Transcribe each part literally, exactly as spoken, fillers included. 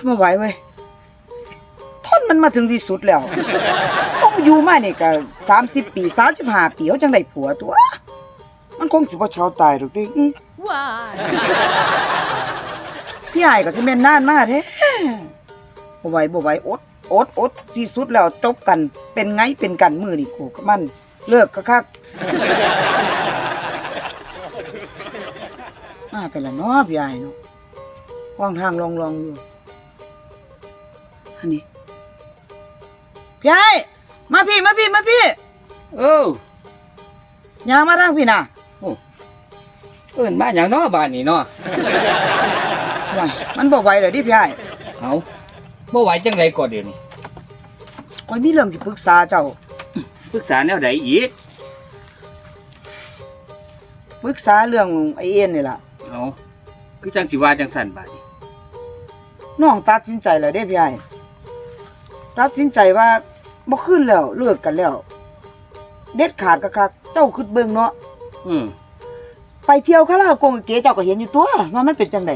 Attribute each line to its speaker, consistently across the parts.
Speaker 1: ไม่ไหวเว้ยทนมันมาถึงที่สุดแล้วต้องอยู่มานี่ก็สามสิบปีสามสิบห้าปีเขาจังได้ผัวตัวมันคงสิบ่เช้าตายหรอกดิว้ายพี่ไอ้ก็สิแม่นนานมาแท้บ่ไหวบ่ไหวอดอดอดที่สุดแล้วจบกันเป็นไงเป็นกันมื้อนี่กูกับมันเลิกคักๆมาไปละเนาะพี่ไอ้เนาะว่างทางลองๆอยู่อันนี้พี่ไอ้มาพี่มาพี่มาพี่
Speaker 2: เอ
Speaker 1: อย่ามาทางพี่น่ะ
Speaker 2: เอิ้นมาหยังเนาะบ้านนี้เนาะ
Speaker 1: ว้ายมันบ่ไหวแล้วดิพี่ไอ้
Speaker 2: เอ้าบ่ไหวจังได๋ก็เดี๋ยวนี้
Speaker 1: ข้อยมีเรื่องสิปรึกษาเจ้า
Speaker 2: ปรึกษาแนวใดอีก
Speaker 1: ปรึกษาเรื่องไอ้เอ็นนี่ล่ะ
Speaker 2: เอ้าคือจังสิว่าจังซั่นบาดนี้
Speaker 1: น้องตัดสินใจแล้วเด้พี่ไอ้ตัดสินใจว่าบ่คืนแล้วเลิกกันแล้วเด็ดขาดคักๆเจ้าคิดเบิ่งเนาะ
Speaker 2: อือ
Speaker 1: ไปเที่ยวคาราโอเกะเก๋เจ้าก็เห็นอยู่ตัวว่ามันเป็นจังได๋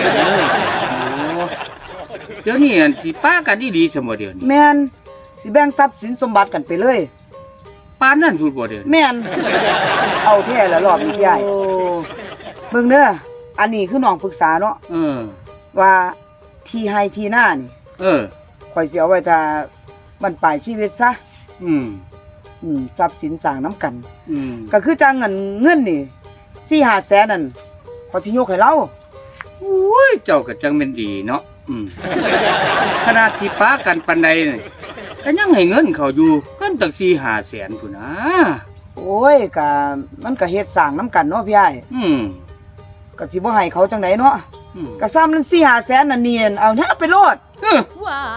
Speaker 2: เดี๋ยวนี้อันสิป้ากันดีๆซะบ่เดี๋ยวนี้
Speaker 1: แม่นสิแบ่งทรัพย์สินสมบัติกันไปเลย
Speaker 2: ปานนั้นพูดบ่เดี๋ยวนี้
Speaker 1: แม่นเอาแท้แล้วรอบนี้พี่ไอ้เบิ่งเด้ออันนี้คือน้องปรึกษาเนาะ
Speaker 2: เออ
Speaker 1: ว่าที่ให้ที่หน้านี่
Speaker 2: เออ
Speaker 1: ข่อยสิเอาไว้ถ้าบรรปลายชีวิตซะ
Speaker 2: อืม
Speaker 1: อืมทรัพย์สินสร้างนำกัน
Speaker 2: อืม
Speaker 1: ก็คือจังเงินเงินนี่ สี่ห้าแสนนั่นข่อยสิยกให้เรา
Speaker 2: อุ้ยเจ้าก็จังแม่นดีเนาะอืมขนาดที่ป้ากันปานใดนี่ก็ยังให้เงินเขาอยู่เงินตั้ง สี่ห้า แสนพุ่นนะ
Speaker 1: โอ้ยก็มันก็เฮ็ดสร้างนำกันเนาะพี่อ้าย
Speaker 2: อืม
Speaker 1: ก็สิบ่ให้เขาจังได๋เนาะอืมก็ซ้ำนั้น สี่ห้า แสนนั่นเนียนเอาหน้าไปโลด
Speaker 2: ว้าย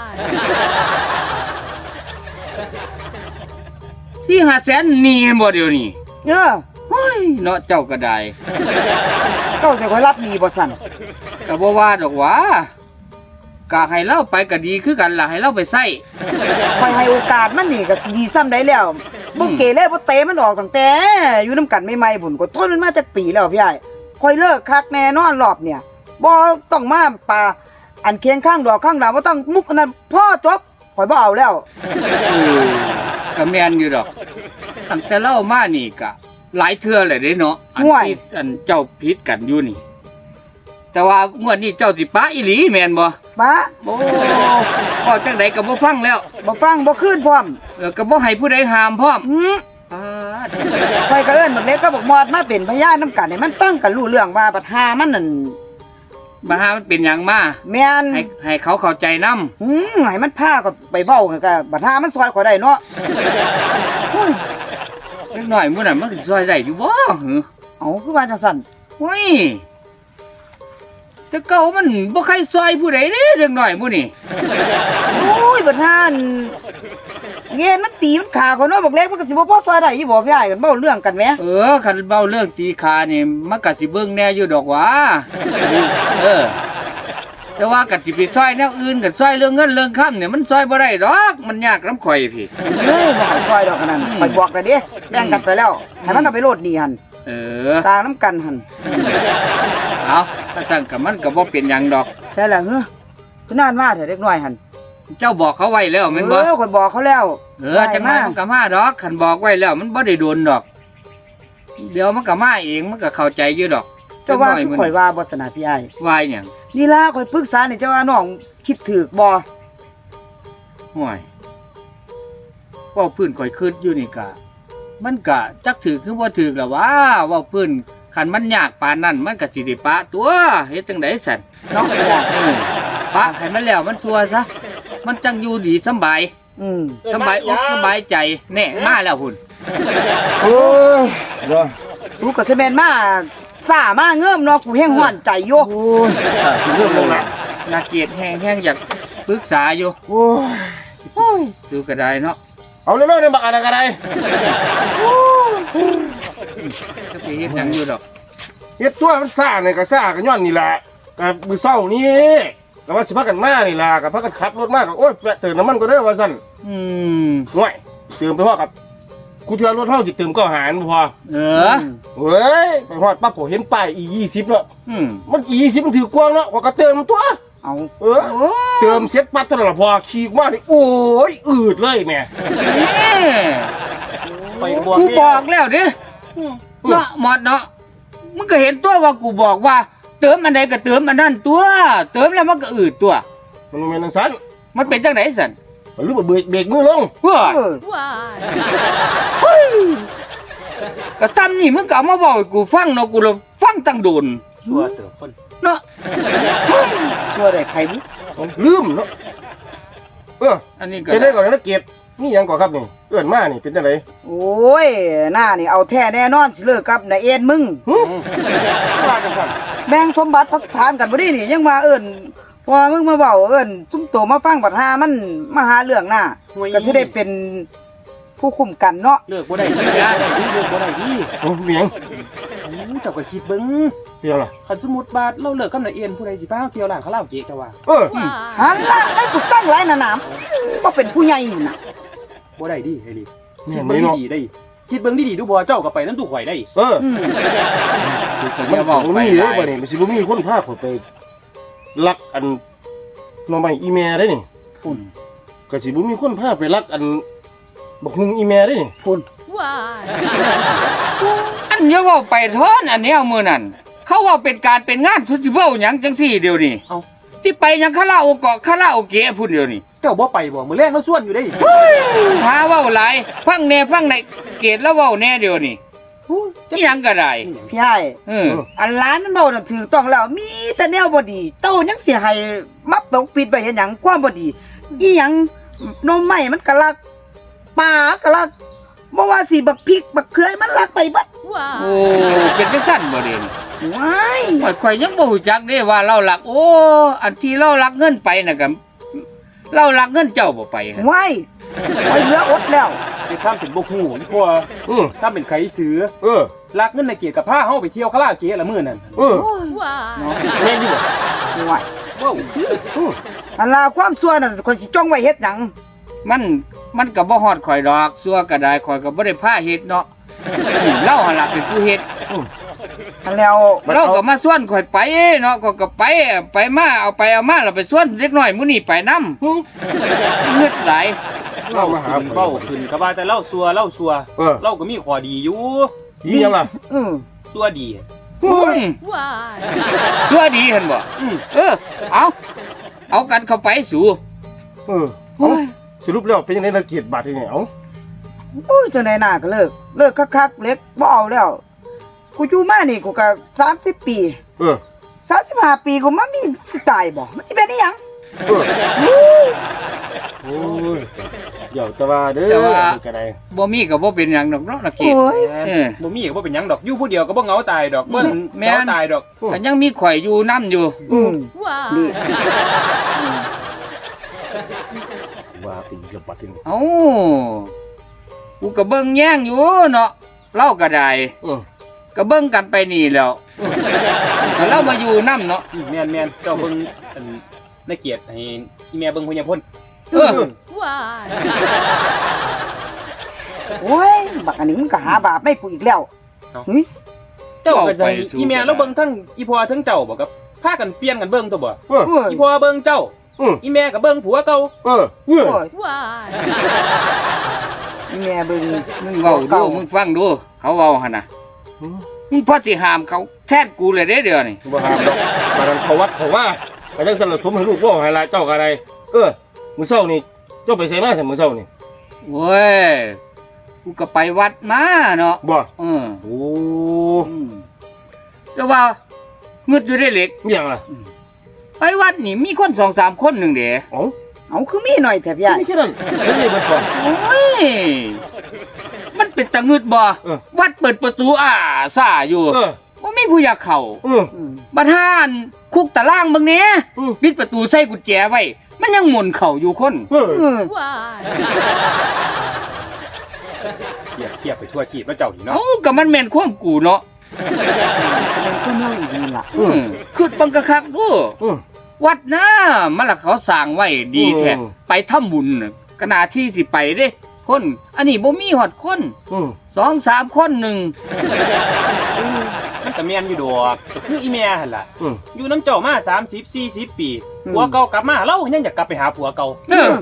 Speaker 2: สี่ห้า แสนนี่บ่เดี๋ยวนี้
Speaker 1: เออ
Speaker 2: เฮ้ยเนาะเจ้าก็ได้
Speaker 1: เจ้าสิข่อยรับหนี้บ่ซั่น
Speaker 2: ก็บ่ว่าดอกหว่าก็ให้เราไปก็ดีคือกันล่ะให้เราไปใช้
Speaker 1: ข่อยให้โอกาสมันนี่ก็ดีซ้ำได้แล้วบ่เกเรบ่เตะมันออกตั้งแต่อยู่นำกันใหม่ๆพุ่นก็ทนมันมาจักปีแล้วพี่อ้ายข่อยเลิกคักแน่นอนรอบเนี่ยบ่ต้องมาปาอันเคียงข้างดอกข้างดาวบ่ต้องมุกอันนั้นพ่อจบข่อยบ่เอาแล้ว
Speaker 2: เออก็แม่นอยู่ดอกตั้งแต่เล่ามานี่ก็หลายเทื่อเลยเด้เนาะอันที่อันเจ้าผิดกันอยู่นี่แต่ว่างวดนี้เจ้าสิปะอีหลีแม่นบ่
Speaker 1: ปะ
Speaker 2: โอ้ก็จังได๋ก็บ่ฟังแล้ว
Speaker 1: บ่ฟังบ่คืนพร้อม
Speaker 2: แล้วก็บ่ให้ผู้ใดห้ามพร้อม
Speaker 1: หือ
Speaker 2: อ่า
Speaker 1: ข่อยก็เอิ้นบักเล็กก็บักมอดมาเป็นพยานนำกันให้มันฟังกันรู้เรื่องว่าบัดหามันนั่น
Speaker 2: บัดหามันเป็นหยังมา
Speaker 1: แม่น
Speaker 2: ให้ให้เขาเข้าใจนำ
Speaker 1: หือให้มันพาก็ไปเว้าก็บัดหามันซอยข่อยได้เนาะ
Speaker 2: เล็กน้อยมื้อนั้นมันสิซอยได้อยู่บ่หือ
Speaker 1: เอ้าคือว่าจังซั่น
Speaker 2: โอ้ยแต่เก่ามันบ่ใครซอยผู้ใดเด้เด็กน้อยมื้อนี้
Speaker 1: โอ้ยบัดหาเงี้ยมันตีมันขาข่อยเนาะบักเล็กมันก็สิบ่พอซอยได้อยู่บ่พี่อ้ายกันเว้าเรื่องกันแหม
Speaker 2: เออคันเว้าเรื่องตีขานี่มันก็สิเบิ่งแน่อยู่ดอกหว่าเออแต่ว่าก็สิไปซอยแนวอื่นก็ซอยเรื่องเงินเรื่องค่ำเนี่ยมันซอยบ่ได้ดอกมันยากนำข่อยพี่
Speaker 1: เอ้ยบ่ให้ซอยดอกอันนั้นข่อยบอกแล้วเด้แบ่งกันไปแล้วให้มันเอาไปโลดหนี้หั่น
Speaker 2: เออ
Speaker 1: สร้างนำกันหั่น
Speaker 2: เอาถ้าซั่นก็มันก็บ่เป็นหยังดอก
Speaker 1: ใช่แล้วเฮ้อคือนานมาเถอะเด็กน้อยหั่น
Speaker 2: เจ้าบอกเขาไว้แล้วแม่นบ่
Speaker 1: เออข่อยบอกเขาแล้ว
Speaker 2: เออจังได๋มันก็มาดอกคันบอกไว้แล้วมันบ่ได้โดนดอกเดี๋ยวมันก็มาเองมันก็เข้าใจอยู่ดอก
Speaker 1: เจ้าว่าข่อยว่าบ่สนาพี่อ้าย
Speaker 2: ว่าหยัง
Speaker 1: นี่ล่ะข่อยปรึกษานี่เจ้าว่าน้องคิดถูกบ่
Speaker 2: ห่วยเว้าพื้นข่อยคิดอยู่นี่ก็มันก็จักถูกคือบ่ถูกล่ะว่าเว้าพื้นคันมันยากปานนั้นมันก็สิได้ปะตัวเฮ็ดจังได๋ซั่น
Speaker 1: เนาะ
Speaker 2: เออปะให้มันแล้วมันทั่วซะมันจังอยู่ดีสบาย
Speaker 1: อืม
Speaker 2: สบายอกสบายใจแน่มาแล้วพุ่น
Speaker 1: โอ้ยเนาะสู้ก็สิแม่นมาซ่ามาเงิมเนาะกูแฮงฮ้อนใจอยู่โอ้ย
Speaker 2: ซ่าสิเริ่มลงแล้วน่าเกลียดแฮงๆอยากปรึกษาอยู่
Speaker 1: โอ้ย
Speaker 2: โอ้ยดูก็ได้เนาะ
Speaker 3: เอาเร็วๆเด้อบักอันนั้นก็ได้
Speaker 2: โอ้ยจะไปเฮ็ดหยังอยู่ดอก
Speaker 3: เฮ็ดตัวมันซ่านี่ก็ซ่าก็ย้อนนี่แหละก็มื้อเช้านี้ก็ว่าสิพากันมานี่ล่ะก็พากันขับรถมาก็โอ๊ยแวะเติมน้ำมันก็เด้อว่าซั่น
Speaker 2: อืม
Speaker 3: ห่วยเติมไปพอกับกูเทื่อรถเฮาสิเติมก็หารบ่พอ
Speaker 2: เออ
Speaker 3: เฮ้ยไปฮอดปั๊บก็เห็นป้าย อี ยี่สิบ เนาะ
Speaker 2: อืม
Speaker 3: มัน อี ยี่สิบ มันถือกว้างเนาะก็เติมตัว
Speaker 1: เอา
Speaker 3: เออเติมเสร็จปั๊บเท่านั้นล่ะพอขี่มานี่โอ้ยอืดเลยแม่
Speaker 4: ไปบอก
Speaker 2: กู
Speaker 4: นี่
Speaker 2: บอกแล้วเด้เนาะหมดเนาะมึงก็เห็นตัวว่ากูบอกว่า เติมอันใดก็เติมอันนั้นตัว เติมแล้วมันก็อืดตัว
Speaker 3: มันแม่นจังซั่น
Speaker 2: มันเป็นจังไดสัน
Speaker 3: หรือว่าเบรกเบรกมือลง
Speaker 2: เฮ้อ
Speaker 1: เออ
Speaker 2: ก็ซ้ำนี่มึงก็เอามาบอกให้กูฟังเนาะกูเลยฟังตั้งโดน
Speaker 4: ชัวร์เติบคน
Speaker 2: เนาะ
Speaker 1: ชั่วได้ใครบุ
Speaker 3: ลืมเนาะเออ
Speaker 2: อันนี้ก็
Speaker 3: เป็นได้ก่อนนะเกียรตินี่หยังก่อนครับนี่เอื้อนมานี่เป็นจังได
Speaker 1: โอ้ยหน้านี่เอาแท้แน่นอนสิเลิกกับนายเอ็นมึง
Speaker 3: หึ
Speaker 4: ว่าจังซั่น
Speaker 1: แบ่งสมบัติพัฒฐานกันบ่ได้นี่ยังมาเอิ้นพอมึงมาเว้าเอิ้นซุ่มโตมาฟังบัดหามันมาหาเรื่องหน้าก็สิได้เป็นผู้คุมกันเนาะ
Speaker 4: เลิกบ่ได้ดีเลิกบ่ได้ดีเลิกบ่ได้ดี
Speaker 3: โอ้เมียง
Speaker 4: โอ้เจ้าก็คิดเบิ่ง
Speaker 3: เปลี่ยนล่ะ
Speaker 4: คันสมมุติว่าเราเลิกกับนายเอียนผู้ใดสิพาเฮาเที่ยวร้านคาราโอเกะเจ้าว่า
Speaker 3: เออ
Speaker 1: หันละได้ถูกสร้างหลายหนาหนามบ่เป็นผู้ใหญ่นี่น่ะ
Speaker 4: บ่ได้ดีเฮลิ
Speaker 3: เนี่
Speaker 4: คิ
Speaker 3: ย
Speaker 4: ด
Speaker 3: ไม่
Speaker 4: เบิ่ง
Speaker 3: เนาะ
Speaker 4: ดีๆได้คิดเบิ่งดีๆดูบ่เจ้าก็ไปนำตู้ข่อยได้
Speaker 3: เออ
Speaker 1: อืม
Speaker 2: กูก็
Speaker 3: มัน
Speaker 2: จะ
Speaker 3: บบ อ
Speaker 2: อก ก
Speaker 3: มี
Speaker 2: ไป
Speaker 3: เด้
Speaker 2: ห
Speaker 3: บ่
Speaker 2: ลาย
Speaker 3: นี่มันสิบ่มีคนพาข่อยไปลักอันหน่อไม้อีแม่ได้นี่
Speaker 2: พุ่น
Speaker 3: ก็สิบ่มีคนพาไปลักอันบักฮุงอีแม่ได้นี่
Speaker 1: พุ่น
Speaker 2: อันเนี้ยเว่าไปเท่อนอันเนี้ยมือนั่นเขาว่าเป็นการเป็นงานสุดสิเว้าหยังจังสี่เดียวนี่
Speaker 4: เอ้า
Speaker 2: ที่ไปหยังคาราโอเกะคาราโอเกะพุ่นเดียวนี่
Speaker 4: เจ้าบ่ไปบ่มื้อแรกเราส่วนอยู่ได้
Speaker 2: หาเว้าหลายฟังแน่ฟังในเกตแล้วเว้าแน่เดียวนี่นี่ยังก็ได้
Speaker 1: พี่ใหญ่
Speaker 2: เออ
Speaker 1: อันร้านมันเมาน่ะถือต้องแล้วมีแต่แนวบ่ดีเต้ายังสิให้มับตกปิดไว้เฮ็ดหยังความบ่ดีอีหยังนมใหม่มันก็ลักปลาก็ลักบ่ว่าสิบักพริกบักเขือมันลักไปเบัด
Speaker 2: โอ้เป็นจังซั่นบ่เด่น
Speaker 1: ว้าย
Speaker 2: ข่อยข่อยยังบ่รู้จักเด้ว่าเราหลัก โอ้อันที่เราหลักเงินไปน่ะก็เราหลักเงินเจ้าบ่ไปหั่น
Speaker 1: ว้ายไปเหลืออดแล้ว
Speaker 4: สิทำเป็นบ่ฮู้นี่พอ
Speaker 3: อือ
Speaker 4: ถ้าเป็นไขซื้อ
Speaker 3: เออ
Speaker 4: ลักเงินในเกียรติกับพาเฮาไปเที่ยวคาราโอเกะละมื้อนั้น
Speaker 3: เออ
Speaker 4: แม่นอยู่บ่
Speaker 1: ว้าย
Speaker 4: ว้าวคือ
Speaker 3: อือ
Speaker 1: อันลาความชั่วน่ะคนสิจ้องไว้เฮ็ดหยัง
Speaker 2: มันมันก็บ่ฮอดข่อยดอกซัวก็ได้ข่อยก็บ่ได้พาเฮ็ดเนาะเราหั่นล่ะเป็นผู้เฮ็ด
Speaker 1: อันแล้ว
Speaker 2: เราก็มาส่วนข่อยไปเนาะก็ก็ไปไปมาเอาไปเอามาเราไปส่วนเล็กน้อยมื้อนี้ไปนำ
Speaker 3: หึ
Speaker 2: เงืดหลาย
Speaker 3: เล่ามาหา
Speaker 4: ขึ้นเว้าขึ้นก็ว่าแต่เล่าซัวเล่าซัว
Speaker 3: เออ
Speaker 4: เราก็มีข้อดีอยู่
Speaker 3: อีหยังล่ะ
Speaker 1: อือ
Speaker 4: ซัวดี
Speaker 2: อืมชั่วดีเห็นบ่
Speaker 4: อืม
Speaker 2: เออ เอาเอากันเข้าไปสู่
Speaker 3: เออเอาสรุปแล้วเป็นจังได๋ละเกียรติบาดนี่เอ้า
Speaker 1: โอ้ยจังได๋น่าก็เลิกเลิกคักๆเล็กบ่เอาแล้วกูอยู่มานี่กูก็สามสิบปี
Speaker 3: เออ
Speaker 1: สามสิบห้าปีกูมามีสไตล์บ่มันสิเป็นอีหยัง
Speaker 3: เออโอ้ยเดี๋ยวแต่ว่าเด้อนี่ก็ได้
Speaker 2: บ่มีก็บ่เป็นหยังดอกเนาะนักเกต
Speaker 1: โอ้ย
Speaker 2: เออ
Speaker 4: บ่มีก็บ่เป็นหยังดอกอยู่ผู้เดียวก็บ่เหงาตายดอกเบิ่ง
Speaker 2: แม่น
Speaker 4: เหงาตายดอก
Speaker 2: ก็ยังมีข่อยอยู่นํอยู่
Speaker 1: อืมนี่
Speaker 3: ว่าเป็นจังบาดนี่
Speaker 2: เอ้ากูก็เบิ่งแย่งอยู่เนาะเล่าก็ได้
Speaker 3: เออ
Speaker 2: ก็เบิ่งกันไปนี่แหล้วก็เรามาอยู่นํเนาะ
Speaker 4: อืมแม่นแม่นเจ้าเบิ่งอันในเกียรติให้อีแม่เบิ่งพญาพล
Speaker 2: เออ
Speaker 1: โอ้ยบักอันนี้มันก็หาบาปไม่กูอีกแล้วหึ
Speaker 4: เจ้าก็จะให้อีแม่แล้วเบิ่งทั้งอีพ่อทั้งเจ้าบ่ครับพากันเปลี่ยนกันเบิ่งตัวบ่
Speaker 3: เออ
Speaker 1: โอ้ย
Speaker 4: อีพ่อเบิ่งเจ้า
Speaker 3: อือ
Speaker 4: อีแม่ก็เบิ่งผัวเก่า
Speaker 3: เออเออ
Speaker 1: โอ้ยแม่เบิ่ง
Speaker 2: มึงเว้าดูมึงฟังดู เขาเว้าหั่นน่ะมึงพอสิห้ามเขาแทนกูเลยเด้เดี๋ยวนี้
Speaker 3: บ่ห้ามดอกบาดนั้นเขาวัดเขาว่าก็จังซั่นละสมให้ลูกบ่ให้หลายเจ้าก็ได้เออมื้อเช้านี่เจ้าไปไสมาซั่นมื้อเช้านี่
Speaker 2: โว้ยกูก็ไปวัดมาเนาะ
Speaker 3: บ่
Speaker 2: เออ
Speaker 3: โอ้
Speaker 2: อืมแต่ว่าเงึดอยู่ได้เหล็ก
Speaker 3: มีหยังล่ะ
Speaker 2: ไปวัดนี่มีคนสองสามคนหนึ่งเด้
Speaker 3: เอ้า
Speaker 1: เอาคือมีหน่อยแถบใหญ่
Speaker 3: ไม่แค่นั้นเฮ้ยเบิดก่อน
Speaker 2: โอ้ยมันเป็นตะงึดบ่
Speaker 3: เออ
Speaker 2: วัดเปิดประตูอ่าซ่าอยู่
Speaker 3: เออ
Speaker 2: บ่มีผู้อยากเข้า
Speaker 3: เออ
Speaker 1: อืม
Speaker 2: บัดหานคุกตารางเบิ่งแหน่
Speaker 3: อืม
Speaker 2: ปิดประตูใส่กุญแจไว้ มันยังหมุนเข้าอยู่คน
Speaker 3: เออ
Speaker 1: อืม
Speaker 4: เทียบเทียบไปทั่วทีบแล้วเจ้านี่เนาะ
Speaker 2: เอ้าก็มันแม่นความกูเนาะ
Speaker 1: เป็นคนเล่าอีกนี่ล่ะ
Speaker 2: อืมคือบังกะคักดู
Speaker 3: เออ
Speaker 2: วัดนะมันละเขาสร้างไว้ดีแท้
Speaker 3: อืม
Speaker 2: ไปทำบุญน่ะก็น่าที่สิไปเด้ คน อันนี้บ่มีฮอดคน
Speaker 3: เออ
Speaker 2: สองสามคนหนึ่ง
Speaker 4: มันมันก็แม่นอยู่ดอกก็คืออีแม่หั่นล่ะ
Speaker 3: อืม
Speaker 4: อยู่น้ำเจ้ามาสามสิบ สี่สิบปีผัวเก่ากลับมาเรายังอยากกลับไปหาผัวเก่า
Speaker 2: เออ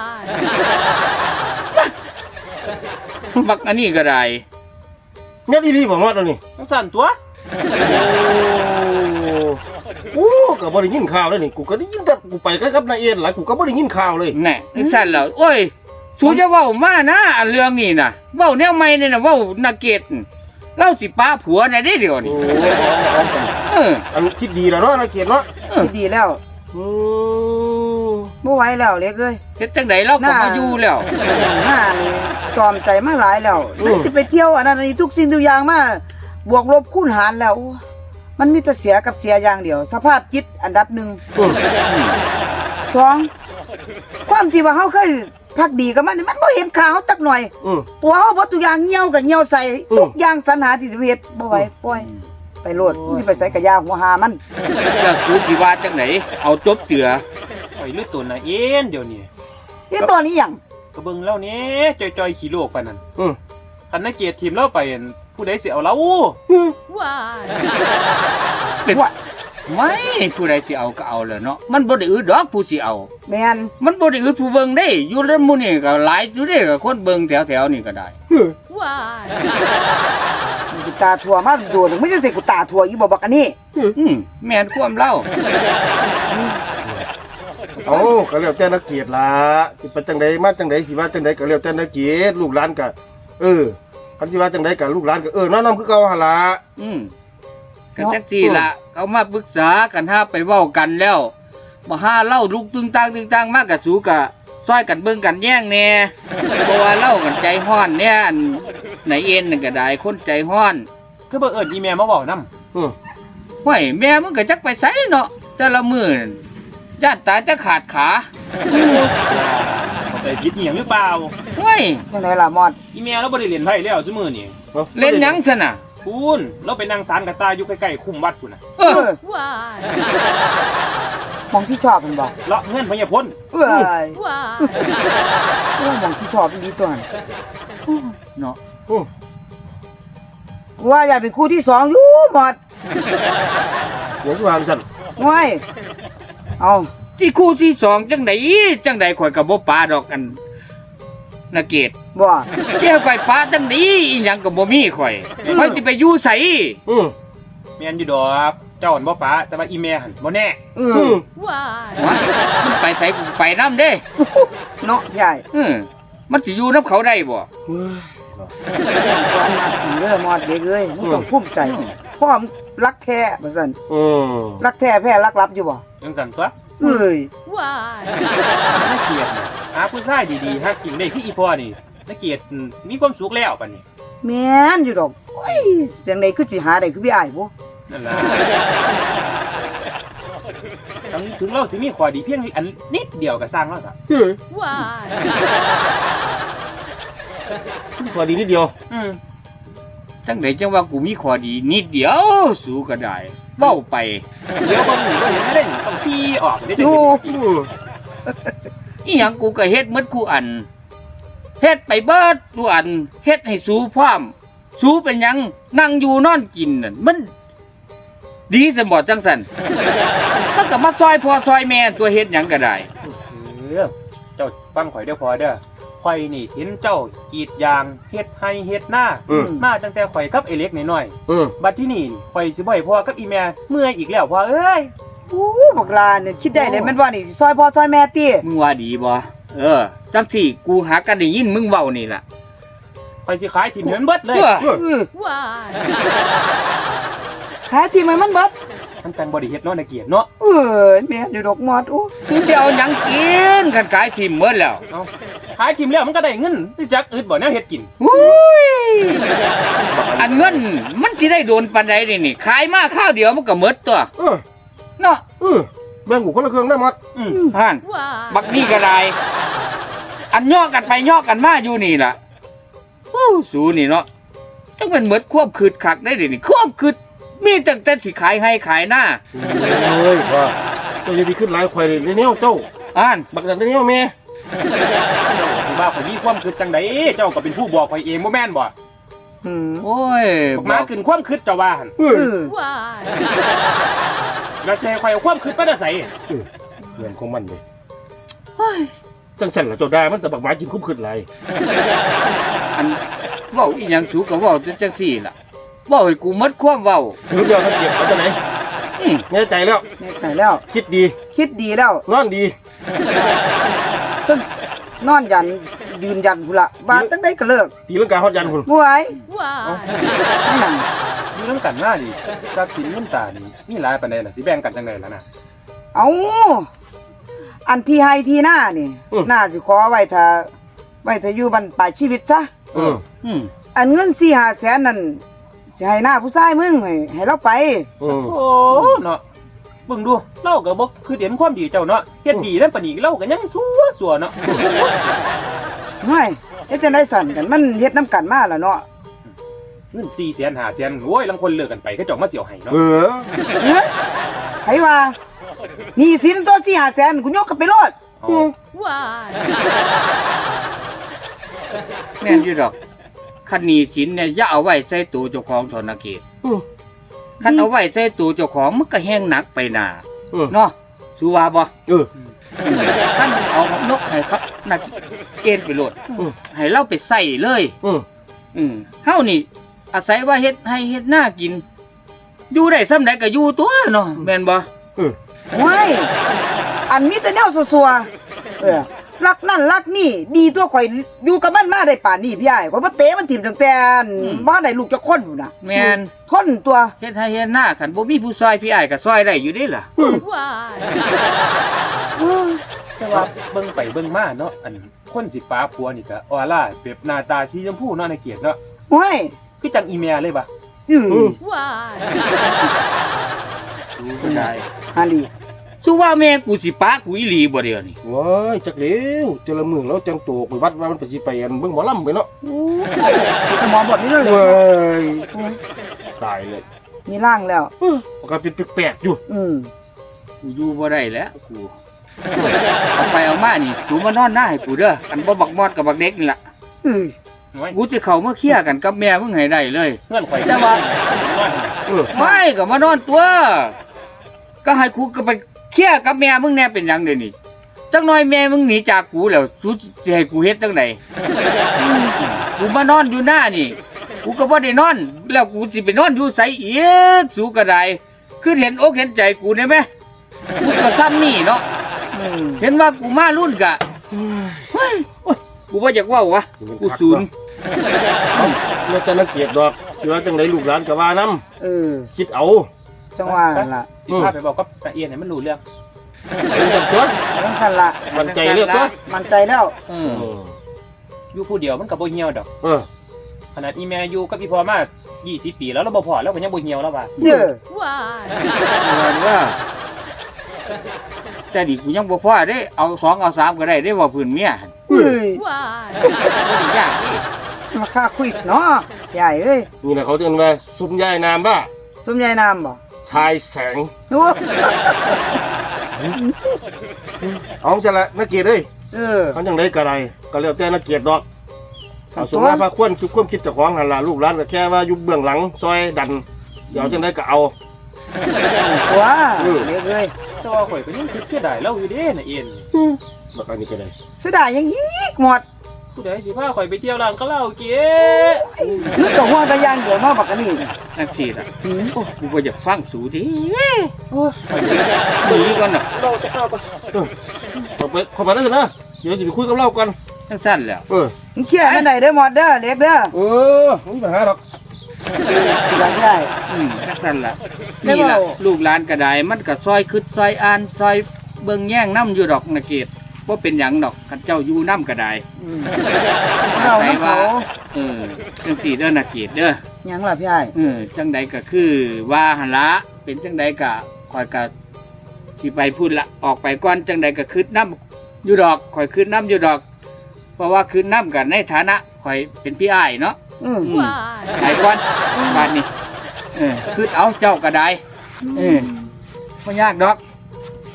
Speaker 2: บักอันนี้ก็ได้
Speaker 3: แม่นอีหลีบ่มอดเอานี่
Speaker 4: จังสั่นตัว
Speaker 3: โอ้ก็บ่ได้ยินข่าวเลยนี่กูก็ได้ยินแต่กูไปกับนายเอ็นหลายกูก็บ่ได้ยินข่าวเลย
Speaker 2: แน่จังซั่นแล้วโอ้ยสูจะเว้ามานะอันเรื่องนี้น่ะเว้าแนวใหม่นี่น่ะเว้านาเกตเล่าสิป้าผัวน่ะได้เดี๋ยว
Speaker 3: โอ้
Speaker 2: นี้
Speaker 3: เอาๆกัน
Speaker 2: เออ
Speaker 3: อันคิดดีแล้วเนาะนายเกียรติเนาะ
Speaker 2: เออ
Speaker 1: ดีแล้ว
Speaker 3: อืม
Speaker 1: บ่ไหวแล้วเล็กเอ้ย
Speaker 2: เฮ็ดจังไดเราก็มาอยู่แล้ว
Speaker 1: หน้านี่จอมใจมาหลายแล้วไม่สิไปเที่ยวอันนั้นอันนี้ทุกสิ่งทุกอย่างมาบวกลบคูณหารแล้วโอ้มันมีแต่เสียกับเสียอย่างเดียว สภาพจิตอันดับหนึ่ง
Speaker 3: อืม
Speaker 1: สองความที่ว่าเฮาเคยพักดีกับมันนี่มันบ่เห็นค่าเฮาจักหน่อย
Speaker 3: อืม
Speaker 1: ตัวเฮาบ่ทุกอย่างเหี่ยวกับเหี่ยวใส่
Speaker 3: อืม
Speaker 1: ทุกอย่างสรรหาที่สิไปเฮ็ดบ่ไหวปล่อยไปโลดสิไปใส่กะยาหัวหามัน
Speaker 2: จะสูสิว่าจังไดเอาจบเจือ
Speaker 4: ข่อยลือตัวน่ะเอ็นเดี๋ยวนี้
Speaker 1: นี่ตัวนี้หยัง
Speaker 4: ก็เบิ่งแล้วนี่จอยๆขี้โลกปานนั้น
Speaker 3: อืม
Speaker 4: คันนักเกียรติทีมเราไปอั่นผู้ใดสิเอาเรา
Speaker 2: เป็นไม่ผู้ใดสิเอาก็เอาแหล้วเนาะมันบ่ได้อึดดอกผู้สิเอา
Speaker 1: แม่น
Speaker 2: มันบ่ได้อึดผู้เบิ่งได้อยู่แล้วหมู่นี่ก็หลายอยู่เด้ก็คนเบิ่งแถวๆนี่ก็ได้
Speaker 1: กูตาทั่วมาโดนไม่ใช่สิกูตาทั่วอีบ่บักอันนี้
Speaker 2: อืมแม่นความเล่า
Speaker 3: เอาก็แล้วแต่นักเกียรติล่ะสิไปจังใดมาจังใดสิว่าจังใดก็แล้วแต่นักเกียรติลูกหลานก็เออคันสิว่าจังใดก็ลูกหลานก็เออน้อนํคือเก่าหั่นล่ะ
Speaker 2: อืมก็จักซี่ล่ะเขามาปรึกษากันหาไปเว้ากันแล้วบ่หาเล่าลุกตึงตังตึงตังมากก็สู้ก็ซอยกันเบิ่งกันแย่งแน่เพราะว่าเล่ากันใจฮ้อนเนี่ยอันไหนเอ็นนั่นก็ได้คนใจฮ้อน
Speaker 4: คือบ่เอิ้นอีแม่มาเว้านำ
Speaker 3: อืม
Speaker 2: ห้วยแม่มึงก็จักไปไสเนาะแต่ละมื้อนั่นญาติตายจะขาดขา
Speaker 4: เข้าไปผิดอีหยังหรือเปล่า
Speaker 2: ห้วย
Speaker 1: จังไดล่ะมอด
Speaker 4: อีแม่เราบ่ได้เล่นไพ่แล้วซุมื้อนี้
Speaker 3: อา
Speaker 2: เล่นหยังซะน่ะ
Speaker 4: คุณเราไปนั่งศาลกระตายอยู่ใกล้ๆคุ้มวัดพุ่นน่ะ
Speaker 2: เอ
Speaker 1: เอ
Speaker 2: อ
Speaker 1: อมองที่ชอบมันบ่
Speaker 4: เลาะเงินพญาพล
Speaker 1: เอ้ยโอ้มองที่ชอบมันดีตัวนั้น
Speaker 2: เนาะ
Speaker 3: อืม
Speaker 1: ว่าอยากเป็นคู่ที่สองอยู่หมด
Speaker 3: เดี๋ยวสิว่าซั่น
Speaker 1: ง่วยเอา
Speaker 2: ที่คู่ที่สองจังไดจังไดข่อยก็บ่ปาดอกกันนาเกต
Speaker 1: บ่
Speaker 2: เดี๋ยวข่อยปาจังไดอีหยังก็บ่มีข่อยข่อยสิไปอยู่ไส
Speaker 3: อืม
Speaker 4: แม่นอยู่ดอกเจ้าหั่นบ่ป้าแต่ว่าอีแม่หั่นบ่แน่
Speaker 1: เอ
Speaker 3: อื
Speaker 1: อ
Speaker 3: ม
Speaker 2: ว้ายมันไปไสกูไปนํเด้
Speaker 1: เนาะใหญ่
Speaker 2: เออมันสิอยู่นํเขาได้บ่
Speaker 3: เฮ้ย
Speaker 1: ความน่ากินเด้อมอดเด็กเอ้ยมึงต้องภูมิใจพ่อมงรักแท้ว่าซั่น
Speaker 3: อืม
Speaker 1: รักแท้แพ้รักลับอยู่บ่
Speaker 4: จังซั่นตัว
Speaker 1: เอ้ย
Speaker 4: นักเกียรติน่ะหาผู้ชายดีๆหากินได้คืออีพ่อนี่นักเกียรติมีความสุขแล้วปานนี้
Speaker 1: แม่นอยู่ดอกโอ้ยจังไดคือสิหาได้คือพี่อ้ายบ่
Speaker 4: นั่นล่ะถึงถึงเราสิมีข้อดีเพียงอันนิดเดียวก็สร้างแล้วล่ะ
Speaker 3: เฮ้ยพอดีนิดเดียว
Speaker 4: อืม
Speaker 2: จังไดจังว่ากูมีข้อดีนิดเดียวสู้ก็ได้เว้าไป
Speaker 4: เดี๋ยวบ่มีบ่เห็นได้นี่ต้องพี่ออกได้จัง
Speaker 1: ดู
Speaker 4: ซี่
Speaker 3: อืม
Speaker 2: อีหยังกูก็เฮ็ดหมดกูอันเฮ็ดไปเบิดกูอันเฮ็ดให้สู้พร้อมสู้เป็นหยังนั่งอยู่นอนกินนั่นมันดีสมบ่จังซั่นมันก็มาซอยพ่อซอยแม่ตัวเฮ็ดหยังก็ได้
Speaker 4: เออเจ้าฟังข่อยเด้อพอเด้อข่อยนี่เห็นเจ้ากรีดยางเฮ็ดให้เฮ็ดหน้า
Speaker 3: อืม
Speaker 4: มาตั้งแต่ข่อยกับไอ้เล็กน้อย
Speaker 3: อืม
Speaker 4: ๆบัดที่นี่ข่อยสิบ่ให้พ่อกับอีแม่เมื่อยอีกแล้วพ่อเอ้ย
Speaker 1: โอ้บักลาเนี่ยคิดได้เลยแม่นว่านี่สิซอยพ่อซอยแม่ติ
Speaker 2: มึงว่าดีบ่เออจังสี่กูหากันได้ยินมึงเว้านี่ล่ะ
Speaker 4: ข่อยสิขายถิ่มให้มันเบิดเลย
Speaker 2: เออ
Speaker 3: เออ
Speaker 1: เออขายที่มันมันเบิด
Speaker 4: มันจังบ่ได้เฮ็ดเนาะนักเกียรติเนาะ
Speaker 1: เออแม่นอยู่ดอกมอดโอ้
Speaker 2: คือจะเอาหยังกินกันขายทิมหมดแล้ว
Speaker 4: เอาขายถิ่มแล้วมันก็ได้เงินสิจักอึดบ่แนวเฮ็ดกิน
Speaker 2: อุ้ยอันเงินมันสิได้โดนปานใดนี่นี่ขายมาข้าวเดียวมันก็หมดตัว
Speaker 3: เออ
Speaker 2: เนาะ
Speaker 3: เออแบ่งกูคนละเครื่องได้หมด
Speaker 4: อืม
Speaker 2: ห่านบักนี่ก็ได้อันย่อกันไปย่อกันมาอยู่นี่ล่ะโอ้สูนี่เนาะจังเป็นหมดควบคืดคักได้ดินี่ควบคืดมีตั้งแต่สิขายให้ขายหน้า
Speaker 3: เฮ้ยว่าเจ้าอย่าไปขึ้นหลายข่อยเลยในแนวเจ้า
Speaker 2: อ่าน
Speaker 3: บักดันในแนวแม่
Speaker 4: สิว่าข่อยมีความคิดจังไดเจ้าก็เป็นผู้บอกข่อยเองบ่แม่นบ่
Speaker 1: อืม
Speaker 2: โอ้ย
Speaker 4: บอกมาขึ้นความคิดเจ้าว่าหั่น
Speaker 3: เอ
Speaker 1: เอ
Speaker 3: อ
Speaker 1: อ
Speaker 4: แล้วสิให้ข่อยเอาความคิดมาได้ไส
Speaker 3: เรื่องของมันเลย
Speaker 1: เฮ้ย
Speaker 3: จังสั่นล่ะเจ้าได้มันแต่บักหมากินคุ้มขึ้นไร
Speaker 2: อันเว้าอีหยังสูก็เว้าจังซี่ล่ะเว้าให้กูหมดความเว้า
Speaker 3: ถึงเดียวนักเกียรติเอาจังไหน
Speaker 2: อืม
Speaker 3: แน่ใจแล้ว
Speaker 1: แน่ใจแล้ว
Speaker 3: คิดดี
Speaker 1: คิดดีแล้ว
Speaker 3: นอนดี
Speaker 1: ซึ่งนอนยันยืนยันพุ่นละว่าจังได๋ก็เลิก
Speaker 3: ตีลังกาฮอดยันหุ่น
Speaker 1: บ่ไหวไม่นั่น
Speaker 4: อยู่นํกันมาดิทรัพย์สินเงินตานี่มีหลายปานใดล่ะสิแบ่งกันจังไดล่ะนะ
Speaker 1: เอาอันที่ให้ที่หน้านี่น่าสิขอไว้ถ้าไว้ถ้าอยู่บรรปลายชีวิตซะ
Speaker 3: เออ
Speaker 2: อืม
Speaker 1: อันเงินสี่ห้าแสนนั่นสิให้หน้าผู้ชายมึงให้ให้เราไป
Speaker 3: เออ
Speaker 4: โอ้เนาะเบิ่งดูเราก็บ่คือเห็นความดีเจ้าเนาะเฮ็ดดีนำปานนี้เราก็ยังสัวสัวเนาะ
Speaker 1: ไม่เฮ็ดจังได๋สั่นกันมันเฮ็ดน้ำกันมาแล้วเนาะ
Speaker 4: เงินสี่แสนห้าแสนโอ้ยลางคนเลิกกันไปก็เจ้ามาเสียวให้เนาะ
Speaker 3: เออ
Speaker 1: เฮ้ยไผว่าหนี่สินตัวสี่ห้าแสนกูยกกันไปโลด
Speaker 4: อ๋อ
Speaker 2: แม่นอยู่ดอกคันหนี้สินเนี่ยอย่าเอาไว้ใส่ตัวเจ้าของธนาคาร
Speaker 3: อืม
Speaker 2: คันเอาไว้ใส่ตัวเจ้าของมันก็แห้งหนักไปหนา
Speaker 3: เออ
Speaker 2: เนาะสูว่าบ่
Speaker 3: เออ
Speaker 2: คันเอานกให้ครับนักเกณฑ์ไปโลด
Speaker 3: อืม
Speaker 2: ให้เราไปใส่เลย
Speaker 3: เออ
Speaker 2: อืมเฮานี่ อาศัยว่าเฮ็ดให้เฮ็ดหน้ากิน อยู่ได้ส่ำใดก็อยู่ตัวเนาะแม่นบ่
Speaker 1: โอ้ยอันมีแต่แนวซัวๆเออรักนั่นรักนี่ดีตัวข่อยอยู่กับมันมาได้ป่านนี้พี่อ้ายข่อยบ่เตะมันถิ่มตั้งแต่บ่ได้ลูกจักคนพุ่นน่ะ
Speaker 2: แม่น
Speaker 1: ทนตัว
Speaker 2: เฮ็ดให้เฮ็ดหน้าคันบ่มีผู้ซอยพี่อ้ายก็ซอยได้อยู่เด้ล่ะ
Speaker 1: เอ้ย
Speaker 4: แต่ว่าเบิ่งไปเบิ่งมาเนาะอันคนสิป้าผัวนี่ก็ออร่าแบบหน้าตาสีชมพูเนาะในเกียรติเนาะ
Speaker 1: โอ้ย
Speaker 4: คือจังอีเมียเลยบ่
Speaker 1: อือ
Speaker 2: ดูก็ได้
Speaker 1: ฮันดี
Speaker 2: สู้ว่าแม่กูสิปะกูอีหลีบ่เดียวนี่
Speaker 3: ว้ายจักเร็วเจอละมือแล้วจังโตกไปวัดว่ามันไปสิไปอันเบิ่งหมอลำไปเนาะ
Speaker 1: สิไปหมอบทนี้เลย
Speaker 3: เว้ยตายเลย
Speaker 1: มีร่างแล้ว
Speaker 3: เออมันก็เป็นแปลกๆอยู่
Speaker 1: อืม
Speaker 2: กูอยู่บ่ได้แล้วกูเอาไปเอามานี่กูมานอนหน้าให้กูเด้ออันบ่บักมอดกับบักเด็กนี่ล่ะ
Speaker 1: อือ
Speaker 4: โอ้ย
Speaker 2: กูจะเข้ามาเคลียร์กันกับแม่มึงให้ได้เลย
Speaker 4: เงื่อนข่อย
Speaker 2: แต่ว่า
Speaker 3: เออ
Speaker 2: ไม่ก็มานอนตัว ก็ให้กูก็ไปเคลียร์กับแม่มึงแน่เป็นหยังเดี๋ยวนี้จักหน่อยแม่มึงหนีจากกูแล้วกูสิให้กูเฮ็ดจังไดกูมานอนอยู่หน้านี่ กูก็บ่ได้นอน แล้วกูสิไปนอนอยู่ไสอีกสูก็ได้คือเห็นอกเห็นใจกูได้ไหมกูก็ซ้ำนี่เนาะ
Speaker 1: อืม
Speaker 2: เห็นว่ากูมารุ่นกะเฮ้ยโอ๊ยกูว่าอยากเว่าวะกูศูนย์
Speaker 3: แล้วจะนักเกียรติดอกสิว่าจังไดลูกหลานก็ว่านํ
Speaker 1: เออ
Speaker 3: คิดเอา
Speaker 1: จังว่านั่นล่ะ
Speaker 4: สิพาไปบอกกับตาเอียนให้มันรู้เรื่อง
Speaker 3: เป็นจังตัว
Speaker 1: จังซั่นล่ะ
Speaker 3: มันใจเรียกตัว
Speaker 1: มั่นใจแล้ว
Speaker 2: เอ
Speaker 3: เอ
Speaker 2: อ
Speaker 3: อ
Speaker 4: อยู่ผู้เดียวมันก็บ่เหี่ยวดอก
Speaker 3: เออ
Speaker 4: ขนาดอีแม่อยู่กับอีพ่อมายี่สิบปีแล้วเราบ่พอแล้วก็ยังบ่เหี่ยวแล้วว่า
Speaker 1: เด้อ
Speaker 2: ว่าว่าแต่ดิกูยังบ่พอเด้เอาสองเอาสามก็ได้ได้ว่าพื้นเมีย
Speaker 1: เฮ้ย
Speaker 2: บ่ได้ยากเด้
Speaker 1: มาค่าคุยเนาะใหญ่เอ้ย
Speaker 3: นี่แหละเขาเรียกว่าซุมยายนามว่า
Speaker 1: สมยายนามบ่
Speaker 3: ชายแสง
Speaker 1: โอ้
Speaker 3: เอาจังละนักเกียรติเอ้ย
Speaker 1: เออ
Speaker 3: เขาจังไดก็ได้ก็แล้วแต่นักเกียรติดอก
Speaker 1: ครั
Speaker 3: เอา
Speaker 1: บ
Speaker 3: สมมาพาควรคิดความคิดเจ้าของหั่นล่ะลูกหลานก็แค่ว่าอยู่เบื้องหลังซอยดันสิเอาจังไดก็เอา
Speaker 1: ตัว
Speaker 3: เออ
Speaker 1: เด็กเอ้ย
Speaker 4: แต่ว่าข่อยก็ยังคิดเสียดายเราอยู่เด้น่ะเอียน
Speaker 3: บักอันนี้ก็ได้
Speaker 1: เสียดายยังอีกหมด
Speaker 4: ผู้ใดสิพาข่อยไปเที่ยวร้านคาราโอเกะ
Speaker 1: นึกกับหัวตะยางเดียวเนาะบักอันนี้
Speaker 2: นั่นสิล่ะ
Speaker 1: อืม
Speaker 2: โอ้กูบ่อยากฟังสูดิ
Speaker 1: โอ้ย
Speaker 2: หนีก่อนน่ะ
Speaker 4: เราจะเข้าไป
Speaker 3: เข้าไปเข้าไปแล้วกันนะเดี๋ยวจะไปคุยกับเรากัน
Speaker 2: จังซั่นแหล้ว
Speaker 3: เออ
Speaker 1: มึงเครียดมันได้เด้อหมดเด้อเล็กเด้อ
Speaker 3: เออไม่มีปัญหาหรอก
Speaker 1: สิได้ได้
Speaker 2: อืมจังซั่นล่ะ
Speaker 1: ได้
Speaker 2: นี่ล่ะ
Speaker 1: เว้า
Speaker 2: ลูกหลานก็ได้มันก็ซอยคิดซอยอ่านซอยเบิ่งแย่งนํอยู่ดอกนะเกดบ่เป็นหยังดอกคันเจ้าอยู่นํก็ได้
Speaker 1: อืมเราน้ำเขา
Speaker 2: เออจังสี่เด้อนะเกียรติเด้อ
Speaker 1: หยังล่ะพี่ไอ้าย
Speaker 2: เออจังใดก็คือว่าหันละเป็นจังใดก็คอยก็สิไปพูดละออกไปก่อนจังใดก็คืดน้ำอยู่ดอกคอยคืดน้ำอยู่ดอก เพราะว่าคืดน้ำกันในฐานะคอยเป็นพี่อ้ายเนาะ
Speaker 1: อืม
Speaker 2: อืมไปก่อนบ้านนี้เออคืดเอาเจ้าก็ได้เออไม่ยากดอก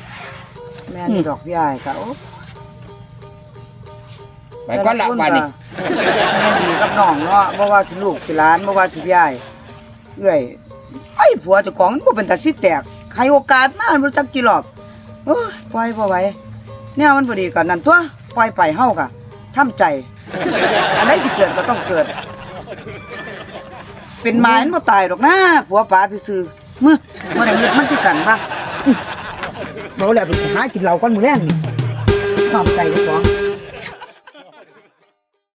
Speaker 1: แม่นดอกพี่ไอ้ายเขา
Speaker 2: ไปก่อนละบ้านนี้
Speaker 1: แแม่ดีกับน้องเนาะบ่ว่าสิลูกสิหลานบ่ว่าสิยายเอ้ยไอ้ผัวเจ้าของมันบ่เป็นตาสิแตกให้โอกาสมาบ่จักกี่รอบโอ้ยปล่อยบ่ไหวแนวมันบ่ดีก็นั่นตัวปล่อยไปเฮาก็ทำใจอันใดสิเกิดก็ต้องเกิด เป็นไม้มันบ่ตายดอกนะผัวป๋าซื่อๆมึบ่ได้เฮ็ดมันคือกันบ่บ่แล้วไปหากินเหล้าก่อนมื้อแลงนี่ความใจเจ้าของ